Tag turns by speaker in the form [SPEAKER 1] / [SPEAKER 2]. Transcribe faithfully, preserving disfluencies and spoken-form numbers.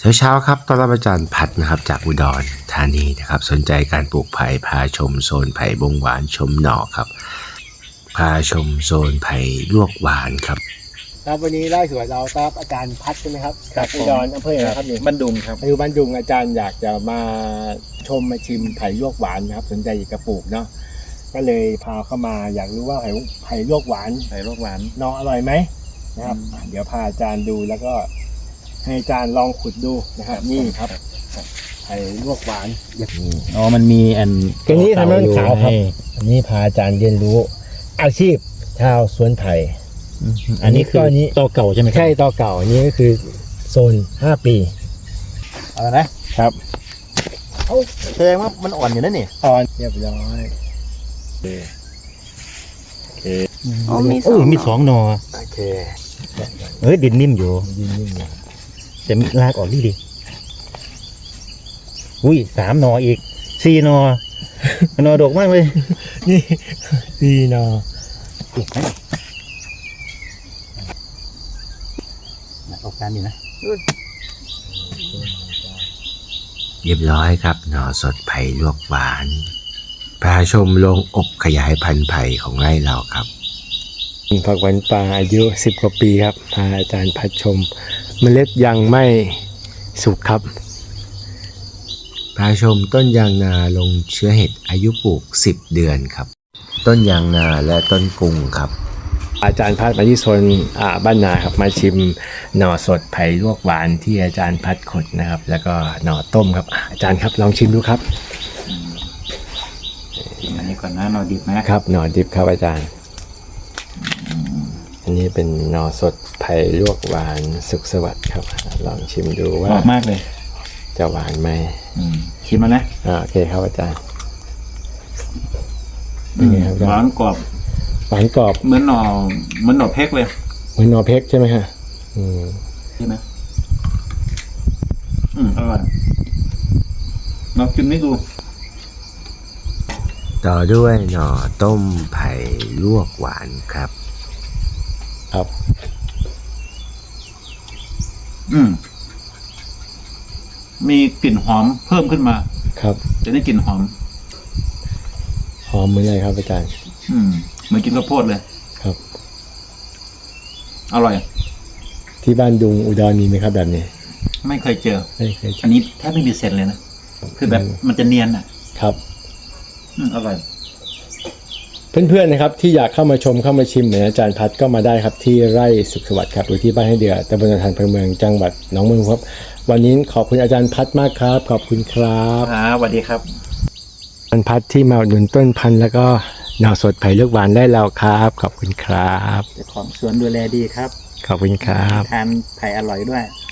[SPEAKER 1] เช้าๆครับต้อนรับอาจารย์พัดนะครับจากอุดรธานีนะครับสนใจการปลูกไผ่พาชมโซนไผ่บงหวานชมหน่อครับพาชมโซนไผ่ลวกหวานครับ
[SPEAKER 2] ครับวันนี้ไล่สวนเราครับอาจารย์พัดใช่ไหมครับจากอุดรอำเภออะไรครับนี่
[SPEAKER 3] บ้านดุงครับ
[SPEAKER 2] อยู่บ้านดุงอาจารย์อยากจะมาชมมาชิมไผ่ลวกหวานนะครับสนใจอยากจะปลูกเนาะก็เลยพาเข้ามาอยากรู้ว่าไผ่ไผ่ลวกหวาน
[SPEAKER 3] ไผ่ลวกหวาน
[SPEAKER 2] หน่ออร่อยไหมนะครับเดี๋ยวพาอาจารย์ดูแล้วก็ให้อาจารย์ลองขุดดูนะครับนี่ครับไผ่ลวกหวานอย่างนี้
[SPEAKER 3] อ๋อมันมีอัน
[SPEAKER 2] ตัวนี้ทำให้มันขาวครับอันนี้พาอาจารย์เรียนรู้อาชีพชาวสวนไผ่
[SPEAKER 3] อันนี้คือ
[SPEAKER 2] อันนี้
[SPEAKER 3] ตอเก่าใช่ไหมครับ
[SPEAKER 2] ใช่ต่อเก่าอันนี้ก็คือโซนห้าปี
[SPEAKER 3] เอานะครับ เอ้าแสดงว่ามันอ่อนอยู่นั่นนี่
[SPEAKER 2] อ่อนเรียบร้อย
[SPEAKER 4] อ๋อมีส
[SPEAKER 3] โอ้
[SPEAKER 4] อง
[SPEAKER 3] ยมีสองหนอ
[SPEAKER 2] โอเค
[SPEAKER 3] เฮ้ยดินนิ่มอยู่
[SPEAKER 2] ยิ่งยิ่งๆนะ
[SPEAKER 3] แต่มีรากออกดีดีอุ้ยสามหนออีกสี่หนอหนอดกมากเลย
[SPEAKER 2] นี่ดีเนาะ
[SPEAKER 3] เก็บไหมออกการอยู่นะ
[SPEAKER 1] เรียบร้อยครับหน่อสดไผ่ลวกหวานพาชมโรงอบขยายพันธุ์ไผ่ของไร่เราครับ
[SPEAKER 2] ผักหวานป่าอายุสิบกว่าปีครับพาอาจารย์พัดชมเมล็ดยังไม่สุกครับ
[SPEAKER 1] พาชมต้นยางนาลงเชื้อเห็ดอายุปลูกสิบเดือนครับต้นยางนาและต้นกุงครับ
[SPEAKER 2] อาจารย์พัดมาที่โซนอ่าบ้านนาครับมาชิมหน่อสดไผ่ลวกหวานที่อาจารย์พัดขดนะครับ แล้วก็หน่อต้มครับอ่าอาจารย์ครับลองชิมดูครับ
[SPEAKER 3] อันนี้ก่อนนะหนอดิบนะครับ
[SPEAKER 2] หน่อดิบครับอาจารย์ อันนี้เป็นหน่อสดไผ่ลวกหวานสุขสวัสดิ์ครับลองชิมดู
[SPEAKER 3] ห
[SPEAKER 2] ว่า
[SPEAKER 3] อมมากเลย
[SPEAKER 2] จะหวานไหม
[SPEAKER 3] อืมชิมมานะ
[SPEAKER 2] อ่าโอเคครับอาจารย์เป็นไงครับอา
[SPEAKER 3] ห
[SPEAKER 2] จาร
[SPEAKER 3] วา
[SPEAKER 2] ย์
[SPEAKER 3] นกรอบ
[SPEAKER 2] หวานกรอบ
[SPEAKER 3] เหมือนหน่อเหมือนหน่อเพกเลย
[SPEAKER 2] เหมือนหน่อเพกใช่ไหมฮะอืม
[SPEAKER 3] ใช่ไหมอืมอร่อยลองกินนี่ดู
[SPEAKER 1] ต่อด้วยหน่อต้มไผ่ลวกหวานครับ
[SPEAKER 2] ครับ
[SPEAKER 3] อืมมีกลิ่นหอมเพิ่มขึ้นมา
[SPEAKER 2] ครับ
[SPEAKER 3] จะได้กลิ่นหอม
[SPEAKER 2] หอมเหมือนไรครับอาจารย์
[SPEAKER 3] อืมเหมือนกินข้าวโพดเลย
[SPEAKER 2] ครับ
[SPEAKER 3] อร่อย
[SPEAKER 2] ที่บ้านดุงอุดรมีไหมครับแบบนี้
[SPEAKER 3] ไม่เคยเจอ
[SPEAKER 2] ไม่เคยเจ
[SPEAKER 3] อันนี้แทบไม่มีเศษเลยนะ คือแบบมันจะเนียนอ่ะ
[SPEAKER 2] ครับ
[SPEAKER 3] อืมอร่อย
[SPEAKER 2] เพื่อนๆนะครับที่อยากเข้ามาชมเข้ามาชิมเหมือนอาจารย์พัดก็มาได้ครับที่ไร่สุขสวัสดิ์ครับหรือที่บ้านให้เดือตำบลทานอำเภอเมืองจังหวัดหนองบัวลำพูครับวันนี้ขอบคุณอาจารย์พัดมากครับ ขอบคุณครับ
[SPEAKER 3] ครับสวัสดีครับ
[SPEAKER 2] อาจารย์พัดที่มาอุดหนุนต้นพันธุ์แล้วก็หน่อสดไผ่ลูกหวานได้แล้วครับ ขอบคุณครับ
[SPEAKER 3] เจ้าของสวนดูแลดีครับ
[SPEAKER 2] ขอบคุณครับ
[SPEAKER 3] ทานไผ่อร่อยด้วย